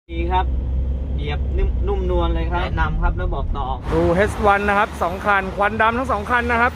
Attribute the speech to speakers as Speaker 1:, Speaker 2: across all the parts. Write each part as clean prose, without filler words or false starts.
Speaker 1: ดีครับเหยียบนุ่มนวลเลยครับแนะนำครับแล้วบอกต่อ
Speaker 2: ดู H1 นะครับ2คันควันดำทั้ง2คันนะครับ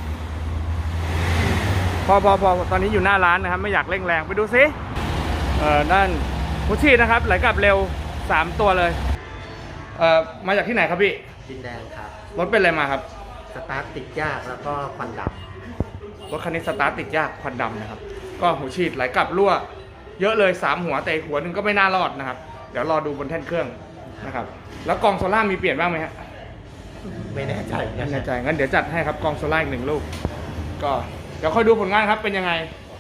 Speaker 2: พอตอนนี้อยู่หน้าร้านนะครับไม่อยากเร่งแรงไปดูซินั่นหัวฉีดนะครับไหลกลับเร็ว3ตัวเลยมาจากที่ไหนครับพี่
Speaker 3: ดินแดงครับ
Speaker 2: รถเป็นอะไรมาครับ
Speaker 3: สตาร์ทติดยากแล้วก็ควันด
Speaker 2: รถคันนี้สตาร์ทติดยากควันดำนะครับก็หัวฉีดไหลกลับรั่วเยอะเลย3หัวแต่หัวหนึ่งก็ไม่น่ารอดนะครับเดี๋ยวรอดูบนแท่นเครื่องนะครับแล้วกองโซล่ามีเปลี่ยนบ้างไหมฮะ
Speaker 3: ไม่แน่ใจ
Speaker 2: งั้นเดี๋ยวจัดให้ครับกองโซล่าอีก1ลูกก็เดี๋ยวค่อยดูผลงานครับเป็นยังไง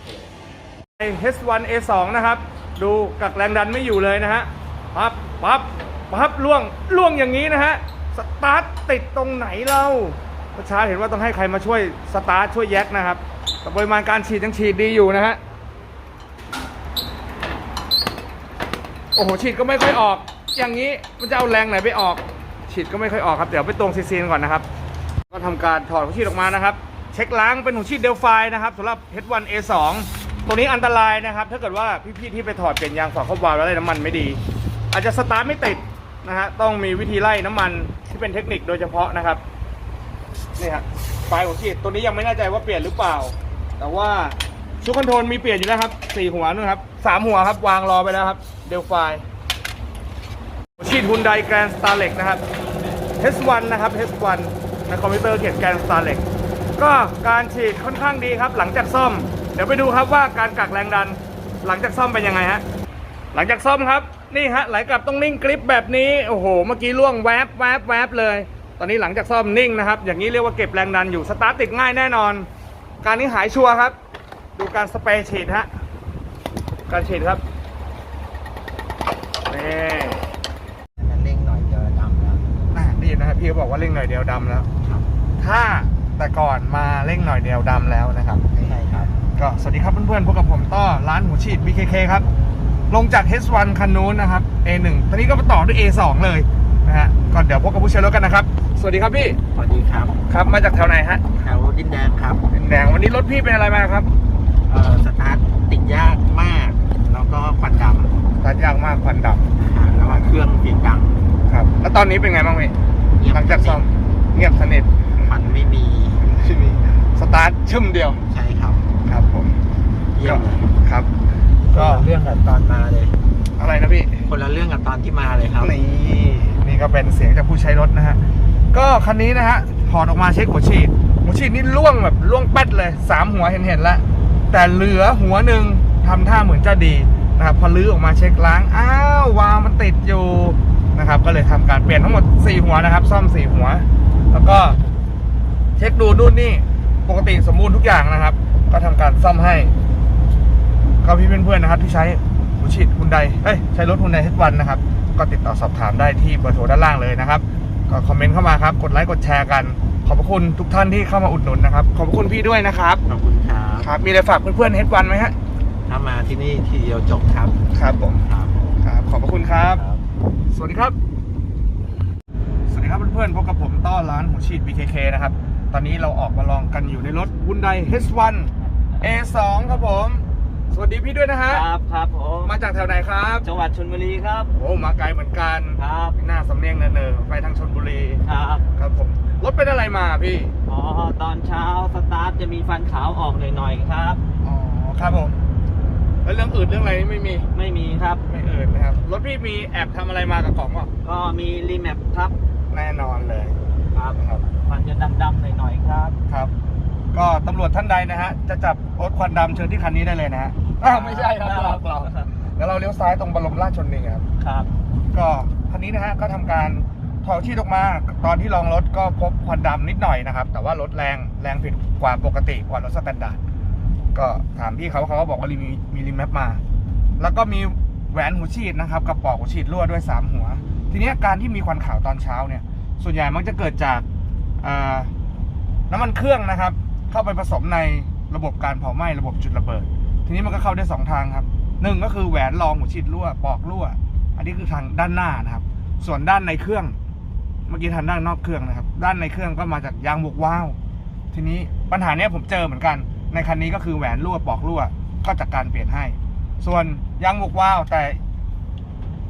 Speaker 2: H1 A2 นะครับดูกักแรงดันไม่อยู่เลยนะฮะปั๊บล่วงอย่างนี้นะฮะสตาร์ทติดตรงไหนเราประชาเห็นว่าต้องให้ใครมาช่วยสตาร์ทช่วยแยกนะครับแต่ปริมาณการฉีดยังฉีดดีอยู่นะฮะโอ้โหฉีดก็ไม่ค่อยออกอย่างนี้มันจะเอาแรงไหนไปออกฉีดก็ไม่ค่อยออกครับเดี๋ยวไปตรงซีนก่อนนะครับก็ทำการถอดหัวฉีดออกมานะครับเช็คล้างเป็นหัวฉีดเดลไฟนะครับสำหรับ H1 A2 ตัวนี้อันตรายนะครับถ้าเกิดว่าพี่ๆที่ไปถอดเปลี่ยนยางฝาครอบวาล์วแล้วได้น้ำมันไม่ดีอาจจะสตาร์ทไม่ติดนะฮะต้องมีวิธีไล่น้ำมันที่เป็นเทคนิคโดยเฉพาะนะครับนี่ฮะไฟหัวฉีดตัวนี้ยังไม่แน่ใจว่าเปลี่ยนหรือเปล่าแต่ว่าชุดคอนโทรลมีเปลี่ยนอยู่แล้วครับ4หัวนะครับ3หัวครับวางรอไปแล้วครับเดลไฟหัวฉีดฮุนไดแกรนด์สตาร์เล็กนะครับ H1 นะครับ H1 ในคอมพิวเตอร์เขียนแกรนด์สตาร์เล็กก็การฉีดค่อนข้างดีครับหลังจากซ่อมเดี๋ยวไปดูครับว่าการกักแรงดันหลังจากซ่อมเป็นยังไงฮะหลังจากซ่อมครับนี่ฮะไหลกลับต้องนิ่งกริปแบบนี้โอ้โหเมื่อกี้ล่วงแวบเลยตอนนี้หลังจากซ่อมนิ่งนะครับอย่างนี้เรียกว่าเก็บแรงดันอยู่สตาร์ทติดง่ายแน่นอนการนี้หายชัวร์ครับดูการสเปรย์ฉีดฮะการฉีดครับนี่
Speaker 3: เร่งหน่อยเดียวดำแล้ว
Speaker 2: นี่นะครับพี่เขาบอกว่าเร่งหน่อยเดียวดำแล้วถ้าแต่ก่อนมาเร่งหน่อยเดียวดำแล้วนะครับ
Speaker 3: ใช่ครับ
Speaker 2: ก็สวัสดีครับเพื่อนๆพบกับผมต้อร้านหัวฉีด BKK ครับลงจาก H1 คันนู้นนะครับ A1 ตอนนี้ก็มาต่อด้วย A2 เลยนะฮะก็เดี๋ยวพบกับผู้ใช้รถกันนะครับสวัสดีครับพี่
Speaker 3: สวัสดีครับ
Speaker 2: ครับมาจากแถวไหนฮะ
Speaker 3: แถวดินแดงครับ
Speaker 2: ดินแดงวันนี้รถพี่เป็นอะไรมาครับ
Speaker 3: สตาร์ทติดยากมากแล้วก็ควันดำ
Speaker 2: สตาร์ทยากมากควันด
Speaker 3: ำแล้วก็เครื่องเสียงดัง
Speaker 2: ครับแล้วตอนนี้เป็นไงบ้างพี่หลังจากซ่อมเงียบสนิท
Speaker 3: มันไม่มี
Speaker 2: สตาร์ทชึ่มเดียว
Speaker 3: ใช่ครับ
Speaker 2: ครับผม
Speaker 3: เยี่ยมเลย
Speaker 2: ครับ
Speaker 3: ก็เรื่องกับตอนมาเลย
Speaker 2: อะไรนะพี่
Speaker 3: คนละเรื่องกับตอนที่มาเลยครับ
Speaker 2: นี่ก็เป็นเสียงจากผู้ใช้รถนะฮะก็คันนี้นะฮะถอดออกมาเช็คหัวฉีดนี่ล่วงแบบล่วงแป๊ดเลย3หัวเห็นแล้วแต่เหลือหัวหนึ่งทำท่าเหมือนจะดีนะครับพอลื้อออกมาเช็คล้างอ้าววาล์วมันติดอยู่นะครับก็เลยทำการเปลี่ยนทั้งหมด4หัวนะครับซ่อม4หัวแล้วก็เช็คดูนู่นนี่ปกติสมบูรณ์ทุกอย่างนะครับก็ทำการซ่อมให้ก็พี่เพื่อนๆนะครับที่ใช้หัวฉีดฮุนไดใช้รถฮุนไดH1 นะครับก็ติดต่อสอบถามได้ที่เบอร์โทรด้านล่างเลยนะครับก็คอมเมนต์เข้ามาครับกดไลค์กดแชร์กันขอบพระคุณทุกท่านที่เข้ามาอุดหนุนนะครับขอบพระคุณพี่ด้วยนะครับ
Speaker 3: ขอบคุณครับ
Speaker 2: ครับมีอะไรฝากเพื่อนๆH1ไหมฮะ
Speaker 3: ถ้ามาที่นี่ทีเดียวจบครับ
Speaker 2: ครับผมครับขอบพระคุณครับสวัสดีครับเพื่อนๆพบกับผมต้อร้านหัวฉีด BKK นะครับตอนนี้เราออกมาลองกันอยู่ในรถ Hyundai H1 A2 ครับผมสวัสดีพี่ด้วยนะฮะ
Speaker 1: ครับผม
Speaker 2: มาจากแถวไหนครับ
Speaker 1: จังหวัดชลบุรีครับ
Speaker 2: โอ้มาไกลเหมือนกัน
Speaker 1: ครับ
Speaker 2: หน้าสำเนียงเนอไปทางชลบุรีครับผมรถเป็นอะไรมาพี่
Speaker 1: ตอนเช้าสตาร์ทจะมีฟันขาวออกหน่อยๆครับ
Speaker 2: ครับผมแล้วเรื่องอื่นเรื่องอะไรไม่
Speaker 1: มีครับ
Speaker 2: ไม่อื่นนะครับรถพี่มีแอบทำอะไรมากับของ
Speaker 1: ก็มีรีแมปครับ
Speaker 2: แน่นอนเลย
Speaker 1: ครับมันจะดำๆหน่อยๆครับ
Speaker 2: ครับก็ตำรวจท่านใดนะฮะจะจับรถควันดำเชิญที่คันนี้ได้เลยนะฮะไม่ใช่ครับเราแล้วเราเลี้ยวซ้ายตรงบรมราชชนนีครับก็คันนี้นะฮะก็ทำการถอดที่ออกมาตอนที่ลองรถก็พบควันดำนิดหน่อยนะครับแต่ว่ารถแรงผิดกว่าปกติกว่ารถสแตนดาร์ดก็ถามพี่เขาก็บอกว่ามีรีแมปมาแล้วก็มีแหวนหัวฉีดนะครับกับปลอกหัวฉีดรั่วด้วย3หัวทีนี้การที่มีควันขาวตอนเช้าเนี่ยส่วนใหญ่มักจะเกิดจากน้ำมันเครื่องนะครับเข้าไปผสมในระบบการเผาไหม้ระบบจุดระเบิดทีนี้มันก็เข้าได้2ทางครับ1ก็คือแหวนรองหัวฉีดรั่วปลอกรั่วอันนี้คือทางด้านหน้านะครับส่วนด้านในเครื่องเมื่อกี้ทางด้านนอกเครื่องนะครับด้านในเครื่องก็มาจากยางบวกวาล์วทีนี้ปัญหานี้ผมเจอเหมือนกันในคันนี้ก็คือแหวนรั่วปลอกรั่วก็จัดการเปลี่ยนให้ส่วนยางบวกวาล์วแต่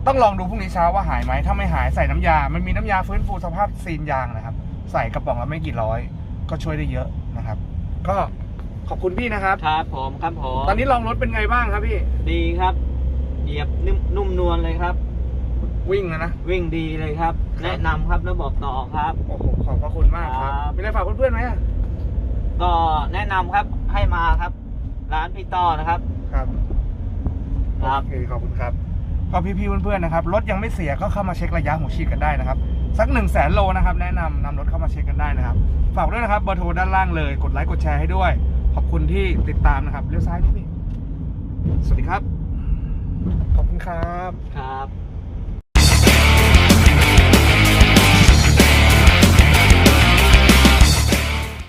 Speaker 2: ต้องลองดูพรุ่งนี้เช้าว่าหายไหมถ้าไม่หายใส่น้ำยา มันมีน้ำยาฟื้นฟูสภาพซีนยางนะครับ ใส่กระป๋องละไม่กี่ร้อยก็ช่วยได้เยอะนะครับ ก็ขอบคุณพี่นะครับ
Speaker 1: ครับผมครับผม
Speaker 2: ตอนนี้ลองรถเป็นไงบ้างครับพี่
Speaker 1: ดีครับ เหยียบนุ่มนวลเลยครับ
Speaker 2: วิ่งนะ
Speaker 1: วิ่งดีเลยครับ
Speaker 2: ครับ
Speaker 1: แนะนำครับแล้วบอกต่อครับ
Speaker 2: โอ้โหขอบพระคุณมากครับ
Speaker 1: ครับ
Speaker 2: มีอะไรฝากเพื่อนๆไหมอะ
Speaker 1: ก็แนะนำครับให้มาครับ ร้านพี่ต้อนะครับ
Speaker 2: ครับ
Speaker 1: ครับ
Speaker 2: โอเคขอบคุณครับก็พี่ๆเพื่อนๆนะครับรถยังไม่เสียก็เข้ามาเช็คระยะหัวฉีดกันได้นะครับสัก 100,000 โลนะครับแนะนำรถเข้ามาเช็คกันได้นะครับฝากด้วยนะครับเบอร์โทรด้านล่างเลยกดไลค์กดแชร์ให้ด้วยขอบคุณที่ติดตามนะครับเลี้ยวซ้ายนิดนึงสวัสดีครับขอบคุณครับ
Speaker 1: ครับ